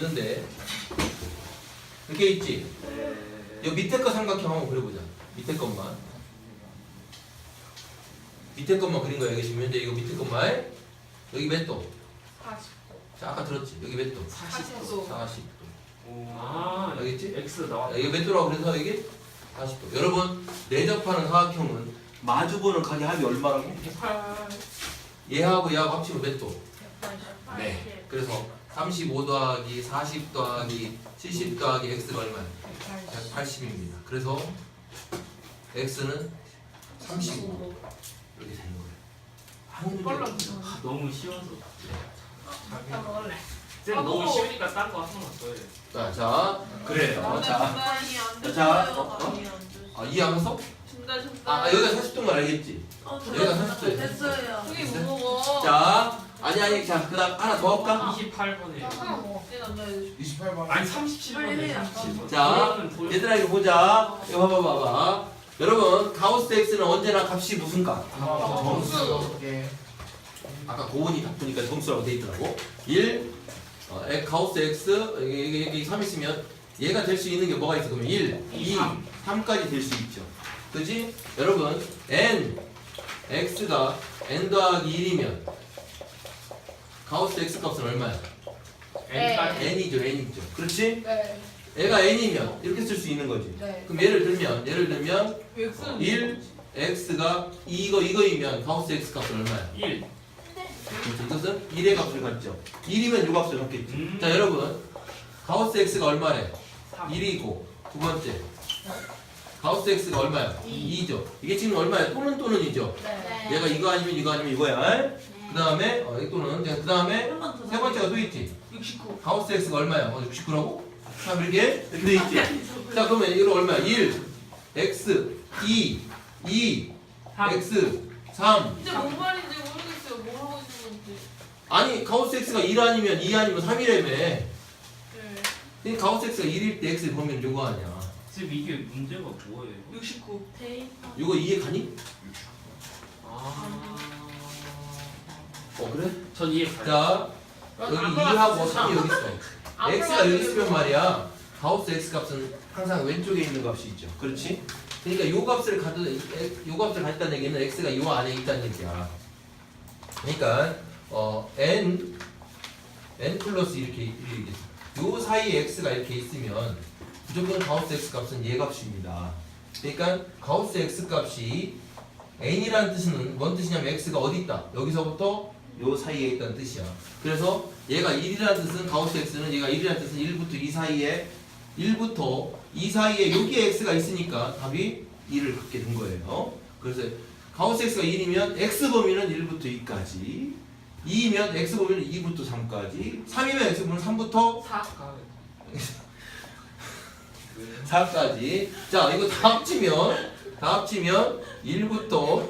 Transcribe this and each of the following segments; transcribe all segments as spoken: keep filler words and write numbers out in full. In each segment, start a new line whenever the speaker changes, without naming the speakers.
있는데 이렇게 있지? 이 밑에 거 삼각형 한번 그려보자. 밑에 것만 밑에 것만 그린 거야. 여기 지금 현재 이거 밑에 것만. 여기 몇 도?
사십 도.
자, 아까 들었지? 여기 몇 도?
사십 도.
사십 도.
아,
알겠지?
X 나왔다.
여기 몇 도라고 그래서 여기 사십 도. 여러분 내접하는 사각형은 마주보는 각의 합이 얼마라고?
백팔.
얘하고 얘하고 합치면 몇 도?
백팔십.
네. 그래서 삼십오 더하기 사십 더하기 칠십 더하기 x가 얼마야? 백팔십입니다. 그래서 x는 삼십오 이렇게 되는 거예요. 한 문제.
아, 너무 쉬워서.
다 먹을래.
쌤
아,
너무
먹어.
쉬우니까 딴 거 하나 써요.
자, 자, 그래요. 자,
아니 안
자,
됐어요.
자, 어? 어?
아니 안 됐어요.
아, 이해 안 갔어?
준다 준다.
아, 여기가 사십 도인 걸 알겠지?
어,
여기가 삼십 도예요.
됐어요. 저기
됐어요?
뭐 먹어?
자, 아니 아니, 자, 그다음 하나 더 할까?
이십팔 번에.
하나 먹어. 얘 남자 해주고.
이십팔 번.
아니 삼십칠 번에
빨리 해.
삼십칠 번.
자, 얘들아 이거 보자. 이거 봐봐, 봐봐. 여러분, 가우스 x는 언제나 값이 무슨 값?
점수.
개.
아까 고은이 바쁘니까 점수라고 돼 있더라고. 일, 어, 엑- 가우스 x, 여기, 여기, 여기 삼 있으면 얘가 될 수 있는 게 뭐가 있어? 그러면 일, 이, 삼까지 될 수 있죠. 그지? 여러분, n, x가 n 더하기 일이면 가우스 x 값은 얼마야?
N까지.
n이죠, n이죠. 그렇지?
네.
얘가 n이면 이렇게 쓸 수 있는 거지.
네.
그럼 예를 들면, 예를 들면
X는
일, x가 이거, 이거이면 가우스 x 값은 얼마야?
일.
그렇죠. 이것은 일의 값을 갖죠. 일이면 요 값을 갖겠지.
음.
자, 여러분. 가우스 x가 얼마래?
삼.
일이고 두 번째. 가우스 x가 얼마야?
이.
이죠. 이게 지금 얼마야? 또는 또는이죠.
네.
얘가 이거 아니면 이거 아니면 이거야. 그 다음에 어, 이 또는 그 다음에
한번
세 번째가 또 있지.
육십구.
가우스 x가 얼마야? 어, 육십구라고? 자, 이렇게 이렇게 돼 있지. 자, 그러면 이거 얼마야? 일, x, 이, 이,
삼.
x, 삼.
이제 뭔 말인지 모르겠어요. 뭐 하고 있는 건지.
아니, 가우스 x가 일 아니면 이 아니면 삼이라며.
네.
그러니까 가우스 x가 일일 때 x를 보면 요거 아니야.
쌤 이게 문제가 뭐예요?
육십구.
요거 이해 가니?
아.
어, 그래?
전 이해 가요.
자, 여기 이하고 삼이 여기 있어. x가 여기 있으면 말이야. 가우스 x 값은 항상 왼쪽에 있는 값이 있죠. 그렇지? 그러니까 요 값을 가져, 요 값을 가졌다는 얘기는 x가 요 안에 있다는 얘기야. 그러니까 어 n n 플러스 이렇게 이렇게 요 사이에 x가 이렇게 있으면 무조건 가우스 x 값은 얘 값입니다. 그러니까 가우스 x 값이 n이라는 뜻은 뭔 뜻이냐면 x가 어디 있다. 여기서부터 요 사이에 있다는 뜻이야. 그래서 얘가 일이라는 뜻은 가우스 x는 얘가 일이라는 뜻은 일부터 이 사이에 일부터 이 사이에 여기에 x가 있으니까 답이 일을 갖게 된 거예요. 그래서 가우스 x가 일이면 x 범위는 일부터 이까지, 이면 x 범위는 이부터 삼까지, 삼이면 x 범위는 삼부터
사.
사까지. 자, 이거 다 합치면 다 합치면 일부터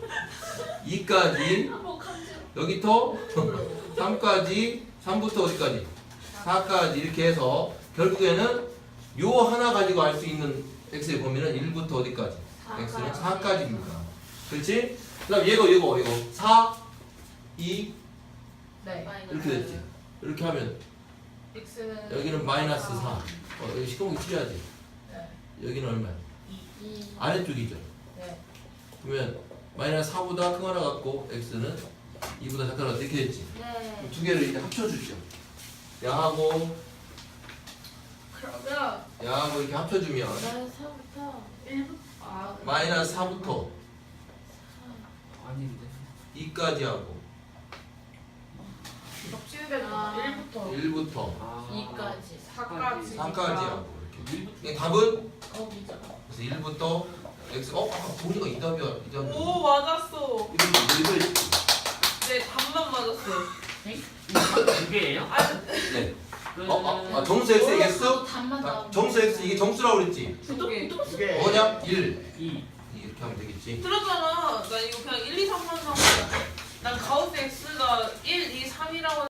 이까지, 여기부터 삼까지, 삼부터 어디까지? 사까지 이렇게 해서 결국에는 요 하나 가지고 알 수 있는 x의 범위는 일부터 어디까지? x는 사까지입니다. 그렇지? 그다음 얘가 얘가 이거 사, 이
네.
이렇게 됐지. 이렇게 하면
X는
여기는 마이너스 사. 어, 여기 시커멓게 칠해야지.
네.
여기는 얼마야?
이.
아래쪽이죠.
네.
그러면 마이너스 사보다 큰 하나 갖고 x는 이보다 작은 하나 이렇게 됐지.
네.
두 개를 이제 합쳐주죠. 야하고
그러면
야하고 이렇게 합쳐주면
마이너스 사부터 일부터 아.
마이너스 사부터
아닌데.
이까지 하고
겹치는 데는 일부터
일부터
아.
이까지 사까지
삼까지 하고 이렇게.
일부터.
이게 답은
거기죠.
그래서 일부터 x. 어, 아까 보니까 이 답이야. 이 답이야.
오 맞았어.
이거 왜 그래?
네 답만 맞았어요.
두 개예요?
아
네.
그...
어, 아, 아, 정수 x x?
답만
아, 정수 x 이게 정수라고 그랬지.
두 개.
두 개.
뭐냐? 일.
이.
이렇게 하면 되겠지.
들었잖아. 나 이거 그냥 일, 이, 삼만 산 거야. 난 가우스 X가 일, 이, 삼이라고